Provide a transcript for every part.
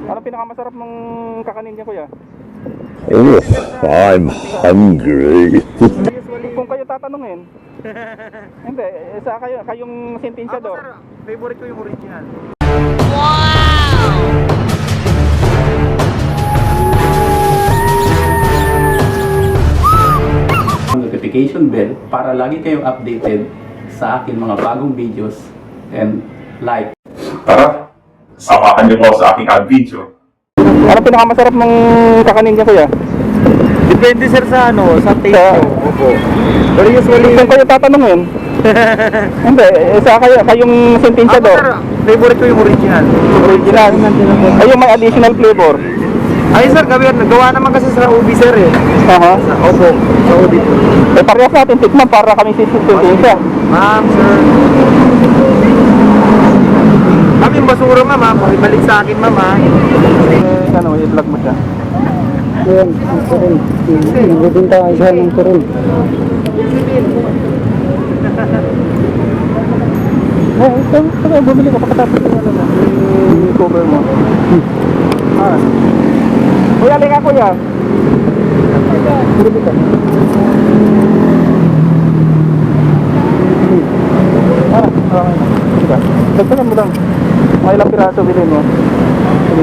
Ano pinakamasarap ng kakanin niya, kuya? Oh, I'm hungry. Kung kayo tatanungin. Hindi, sa kayong sentensya do. Sir, favorite ko yung original. Notification bell para lagi kayong updated sa akin mga bagong videos and like. Tara, samahan niyo po sa aking video. Ano pinakamasarap ng kakanin niya, kuya? Depende sir sa sa taste Sa- ko. Opo. Pero usually, Kung kayo tatanungin. Hindi, sa kayong sentensya do. sir, favorite ko yung original. Original. Ay, yung may additional flavor. Ay sir, gawa naman kasi sa ubi sir eh. Aha. Opo, sa ubi. Eh, parehas natin tikman para kami sentensya. Ma'am, sir. Kami yung basura ma'am, pakibalik sa akin ma'am ha. Ano, i-vlog mo siya. Ayan, ang turun. Nagbibinta ka siya ng turun. Ito, bumili ko pagkatapos yung ano na, yung cover mo. Ah. Kuya, linga kuya. Bumili ka. Okay na. Sige. Dagdagan mo lang. Mga ilang piraso bilhin mo. Sige.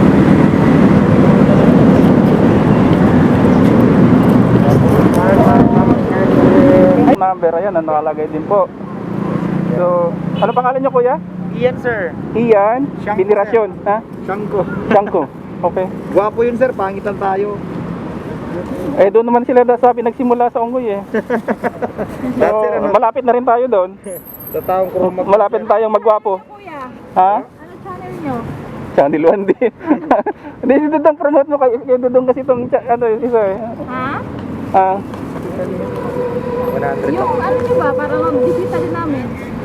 Number, ayan, nakalagay din po. So, ano pangalan niyo, kuya? Iyan sir. Ian, Shanko, Binirasyon, ha? Shanko. Shanko. Okay. Gwapo yun sir, pangitan tayo. Eh, doon naman sila sabi nagsimula sa Unggoy eh. So, malapit na rin tayo doon. Sa taong ko Malapit na tayong magwapo. Kuya, Ha? ano channel nyo? Channel 1 din. Hindi, si Dudong promote mo kay Dudong kasi itong ano, isa eh. Ha? Ah, 100. Yung ano nyo ba, para mabisita din namin?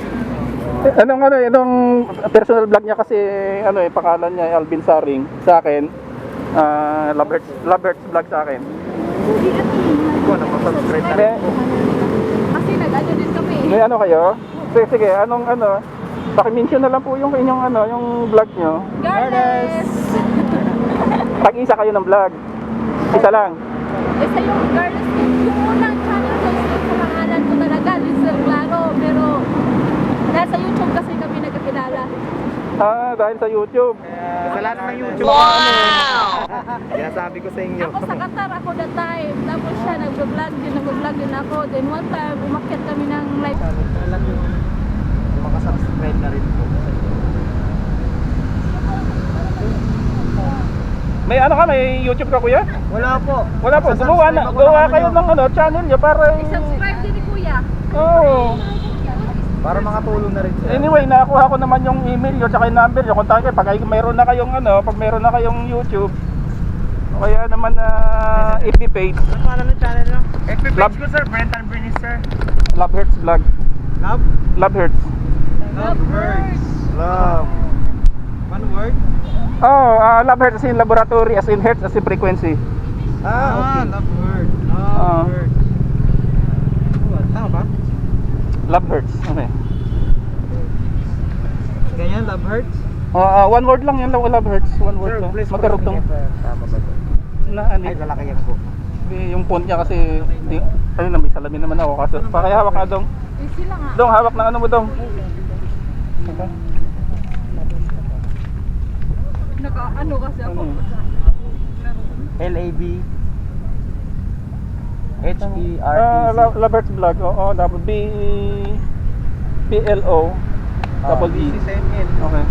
itong personal vlog niya kasi ano eh, pangalan niya Alvin Saring sa akin. Lovehertz vlog sa akin. Hindi ano Ko na mag-subscribe na May, rin po. kasi nag-ano din kami may ano kayo? Sige, anong ano? Paki-mention na lang po yung inyong ano, yung vlog niyo. Garles! Pag-isa kayo ng vlog. Isa lang. Isa yung Garles, yung unang channel ko is sa pangalan ko talaga, Lizelle Claro, pero nasa YouTube kasi kami nagkakilala. Ah, dahil sa YouTube. Kasalanan ng YouTube. Wow! Sinasabi ko sa inyo. Ako sa Qatar ako that time, tapos siya nag-vlog din ako. Then one time, umakyat kami ng live. Makasubscribe na rin po. May ano ka, may YouTube ka, kuya? Wala po. Wala po, gumawa kayo ng ano, channel niyo para I-subscribe din ni Kuya. oh. Para makatulong na rin sila. Anyway, nakakuha ko naman yung email nyo tsaka yung number nyo. Kontakin kayo pag mayroon na kayong ano, pag mayroon na kayong YouTube. O kaya naman FB page. Ano pangalan ng channel nyo? FB Love- page ko sir, Brentan Bernice sir. Lovehertz vlog. Love? Lovehertz. Love words. Love. One word? Oh, Lovehertz as in laboratory, as in hertz, as in frequency. Okay. Love word. Ah. Love word. Tama ba? Lovehertz. Okay. Ganyan, love hurts? One word lang yan, Lovehertz. One word lang. Magkarugtong. Tama ba ito? Na ano? Ay, lalaki yan po. Yung font niya kasi ayun na, may salamin naman ako kaso. Pakihawak na dong. Easy lang ah. Dong, hawak na ano mo dong. Okay. Naka-ano kasi ako. Ano? L-A-B H-E-R-T-Z Lovehertz vlog. Oo, double B P-L-O double E. Okay.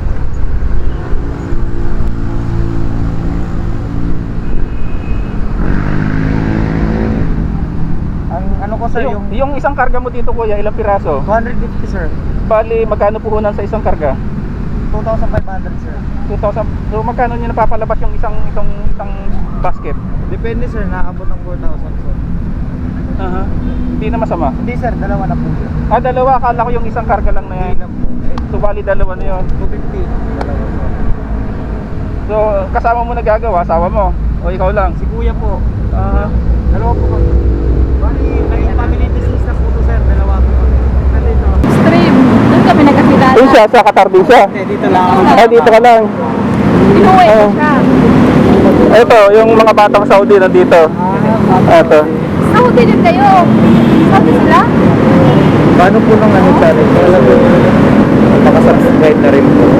Ang ano ko sir, Yung isang karga mo dito, kuya, ilang piraso? 250 sir. Bali, magkano puhunan sa isang karga? 2,500 sir. 2,000. So magkano niyo napapalabas yung isang basket? Depende sir, naabot ng 4,000 sir. Aha. Hindi na masama. Hindi sir, dalawa na po yun. Dalawa, akala ko yung isang karga lang na yan. Hindi na po. So bali dalawa na yun. 250. Dalawa sir. So kasama mo nagagawa, asawa mo? O ikaw lang? Si kuya po. Ah, Dalawa po kami. Bali, may family business na po to sir. Dalawa po kami. Nandito. Stream, doon kami nagkakilala. Doon siya, sa Qatar din siya. Dito lang. Dito ka lang. Inuwi ko Oh. siya. Ito, yung mga batang Saudi nandito. Ito. Saudi din kayo. Saudi sila? Paano po nung ano channel? Kaya po, makasubscribe na rin po.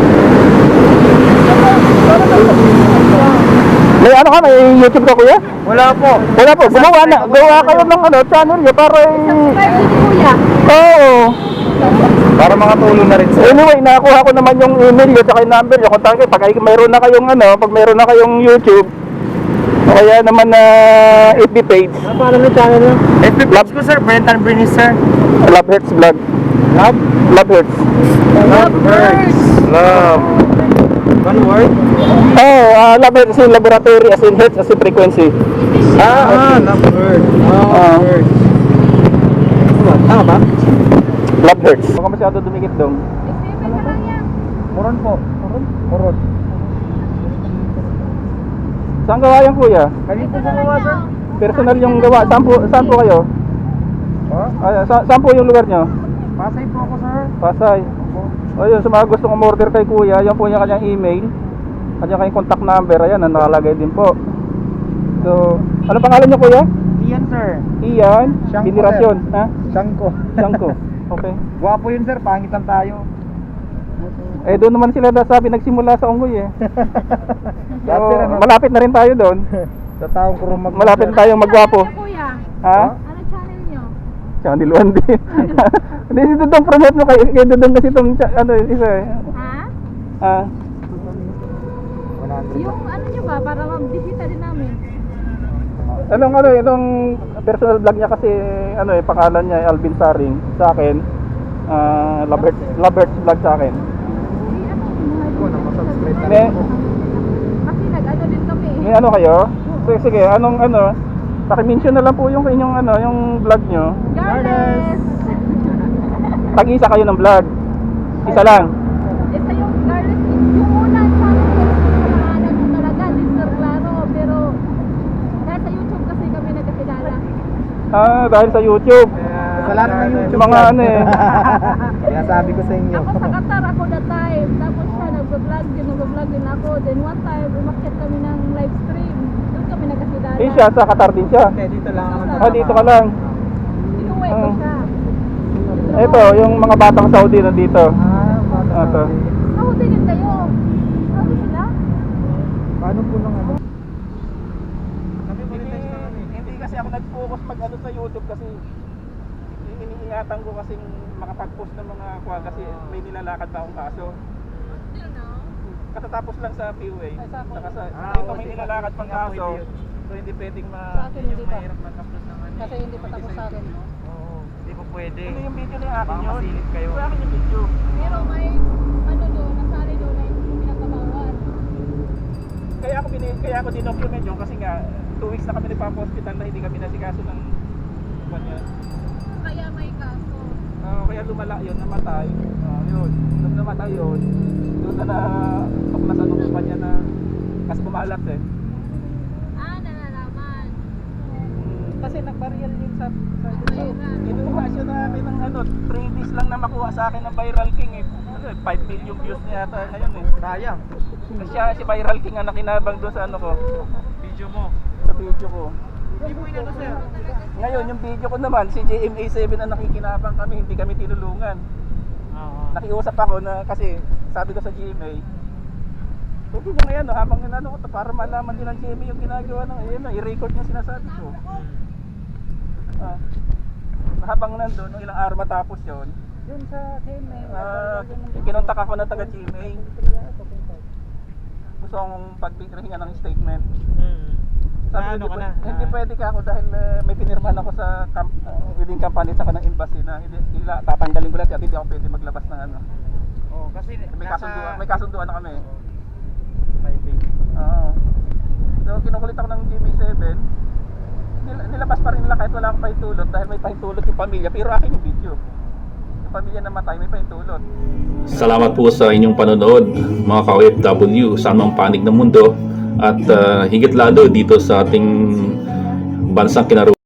May ano ka, may YouTube ka kuya? Wala po. Wala po, gawa kayo ng ano, channel nyo para Subscribe din ni Kuya. Oo. Para mga tulong na rin sir. Anyway, nakuha ko naman yung email nyo tsaka yung number nyo. Kontakin kayo, pag mayroon na kayong ano, pag mayroon na kayong YouTube, o kaya naman na FB page, Ano pala ng channel nyo? FB page ko sir, Brentan Brinis sir. Love Hurts Vlog. Love? Love Hurts. Love Birds. Love. One word? Love Hurts as in laboratory, as in hertz, as in frequency. Love Birds. Ah. Birds. Tama ba? Love Hurts. Baka masyado dumikit dong. Exhibit ka lang yan. Moron po. Moron. Saan gawa yan kuya? Kanina po gumawa sir. Personal yung gawa. Saan po kayo? Saan po yung lugar nyo? Pasay po ako sir. Pasay. O yun, sa mga gustong umorder kay kuya, yan po yung kanyang email. Kanyang kanyang contact number, ayan, nakalagay din po. So, ano pangalan nyo kuya? Iyan sir. Ian, Siyangko, Generasyon. Ha? Siyangko. Siyangko. Okay. Gwapo yun sir, pangitan tayo. Eh doon naman sila sabi nagsimula sa Unggoy eh. So, Lahat sir, ano? malapit na rin tayo doon. Sa taong kurumag. Malapit na tayong magwapo. Ano Kuya? Ha? Ano channel nyo? Channel 1 din. Hindi dito dong promote mo kay doon kasi itong ano isa eh. Ha? 100. Yung ano nyo ba? Para mabisita din namin. Itong personal vlog niya kasi ano eh pangalan niya ay Alvin Saring sa akin. Lovert vlog sa akin. Ako na masubscribe na May, rin po. Kasi nag-ano din kami. may ano kayo? Sige, anong ano? Paki-mention na lang po yung inyong ano, yung vlog niyo. Garles! Tag-isa kayo ng vlog. Isa lang. Ito yung Garles. Yung unang channel ko, pangalan ko talaga, Lister Claro. Pero dahil sa YouTube kasi kami nagkakilala. Dahil sa YouTube. Kasalanan ng YouTube. Mga ano eh. Kaya sabi ko sa inyo. Ako sa Qatar ako that time. Tapos siya nag-vlog din ako. Then one time, umakyat kami ng live stream. Doon kami nagkakilala. Eh siya, sa Qatar din siya. Dito lang ako. Dito ka lang. Inuwi ko siya. Ito, yung mga batang Saudi nandito. Ito. Saudi din kayo. Saudi sila? Paano po nung ano? Hindi kasi ako nag-focus mag ano sa YouTube kasi iniingatan ko kasing makapag-post ng mga kuha kasi may nilalakad pa akong kaso. Still no? Katatapos lang sa PUA. Saka sa dito may nilalakad pang kaso. So hindi pwedeng Sa akin hindi pa. mag-upload ng ano. Kasi hindi pa tapos sa akin. Oo, hindi po pwede. Ano yung video na yung akin Baka yun? masilip kayo. Yung akin yung video. Pero may ano doon, nasali doon na hindi pinagkabawal. Kaya ako dinocument yun kasi nga 2 weeks na kami nagpa-hospital na hindi kami nasikaso ng kanya. Kaya may kaso. Kaya lumala yun, namatay. Yun. Nung namatay yun, doon na tuklasan ng kumpanya na kasi bumalat eh. Nalalaman. Kasi nag-viral yun sa Viral. kinuha siya namin ng ano, 3 days lang na makuha sa akin ng Viral King eh. 5 million views niya yata ngayon eh. Sayang. Si Viral King ang nakinabang doon sa ano ko, Video mo. sa video ko. Hindi mo inano sir. Ngayon yung video ko naman, si JMA7 ang nakikinabang kami, hindi kami tinulungan. Oo. Nakiusap ako na kasi sabi ko sa GMA, pwede mo ngayon habang inano ko to para malaman din ng GMA yung ginagawa ng i-record niya sinasabi ko. Habang nandun, nung ilang araw matapos yun, Yun sa GMA. kinontak ako ng taga GMA. Gusto kong pagpinringan ng statement. Sabi ko, hindi pwede ka ako dahil may pinirmahan ako sa within company sa ng embassy na hindi tatanggalin ko lahat at hindi ako pwede maglabas ng ano. Oo, kasi May kasunduan na kami. private. Oo. So kinukulit ako ng GMA7. Nilabas pa rin nila kahit wala akong pahintulot dahil may pahintulot yung pamilya pero akin yung video. Yung pamilya namatay may pahintulot. Salamat po sa inyong panonood, mga ka-OFW sa anong panig ng mundo at higit lalo dito sa ating bansang kinaroon.